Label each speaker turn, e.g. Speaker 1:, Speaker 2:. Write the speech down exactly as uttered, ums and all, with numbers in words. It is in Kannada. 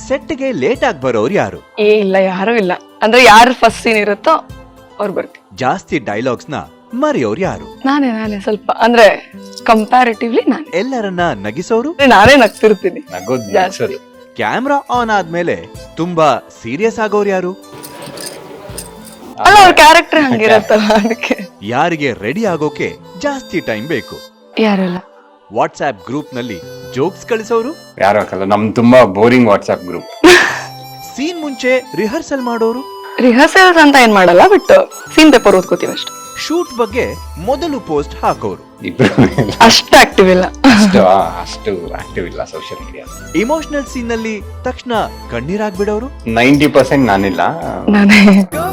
Speaker 1: ಸೆಟ್ಗೆ ಲೇಟ್ ಆಗಿ ಬರೋರು ಯಾರು?
Speaker 2: ಏ ಇಲ್ಲ, ಯಾರು ಇಲ್ಲ. ಅಂದ್ರೆ ಯಾರು ಫಸ್ಟ್ ಸೀನ್ ಇರುತ್ತೋ ಅವ್ರು ಬರ್ತೀವಿ.
Speaker 1: ಜಾಸ್ತಿ ಡೈಲಾಗ್ಸ್ ನ ಮರೆಯೋರು ಯಾರು?
Speaker 2: ನಾನೇ ನಾನೇ ಸ್ವಲ್ಪ ಅಂದ್ರೆ ಕಂಪ್ಯಾರಿಟಿವ್ಲಿ ನಾನೇ.
Speaker 1: ಎಲ್ಲರನ್ನ ನಗಿಸೋರು?
Speaker 2: ನಾನೇ ನಗ್ತಿರ್ತೀನಿ
Speaker 3: ನಗೋದ್
Speaker 2: ಜಾಸ್ತಿ.
Speaker 3: ನಗ್ಸೋದು.
Speaker 1: ಕ್ಯಾಮ್ರಾ ಆನ್ ಆದ್ಮೇಲೆ ತುಂಬಾ ಸೀರಿಯಸ್ ಆಗೋರು ಯಾರು?
Speaker 2: ಅಲ್ಲ, ಅವ್ರ ಕ್ಯಾರೆಕ್ಟರ್ ಹಂಗಿರತ್ತಲ್ಲ ಅದಕ್ಕೆ.
Speaker 1: ಯಾರಿಗೆ ರೆಡಿ ಆಗೋಕೆ ಜಾಸ್ತಿ ಟೈಮ್ ಬೇಕು?
Speaker 2: ಯಾರಲ್ಲ.
Speaker 1: ವಾಟ್ಸ್ಆಪ್ ಗ್ರೂಪ್ ನಲ್ಲಿ ಜೋಕ್ಸ್ ಕಳಿಸೋರು?
Speaker 3: ಯಾರು ಹಾಕಲ್ಲ, ನಮ್ ತುಂಬಾ ಬೋರಿಂಗ್ ವಾಟ್ಸ್ಆಪ್ ಗ್ರೂಪ್.
Speaker 1: ಸೀನ್ ಮುಂಚೆ ರಿಹರ್ಸಲ್ ಮಾಡೋರು?
Speaker 2: ರಿಹರ್ಸಲ್ಸ್ ಅಂತ ಏನ್ ಮಾಡಲ್ಲ, ಬಟ್ ಸೀನ್ ಪೇಪರ್ ಓದ್ಕೋತೀವಿ ಅಷ್ಟೇ.
Speaker 1: ಶೂಟ್ ಬಗ್ಗೆ ಮೊದಲು ಪೋಸ್ಟ್ ಹಾಕೋರು?
Speaker 3: ಇಬ್ರು
Speaker 2: ಅಷ್ಟು ಆಕ್ಟಿವ್ ಇಲ್ಲ.
Speaker 3: ಅಷ್ಟು ಅಷ್ಟು ಆಕ್ಟಿವ್ ಇಲ್ಲ ಸೋಷಿಯಲ್ ಮೀಡಿಯಾ.
Speaker 1: ಇಮೋಷನಲ್ ಸೀನ್ ನಲ್ಲಿ ತಕ್ಷಣ ಕಣ್ಣೀರಾಗ್ಬಿಡೋರು?
Speaker 3: ನೈಂಟಿ ಪರ್ಸೆಂಟ್ ನಾನಿಲ್ಲ.
Speaker 2: ನಾನೇ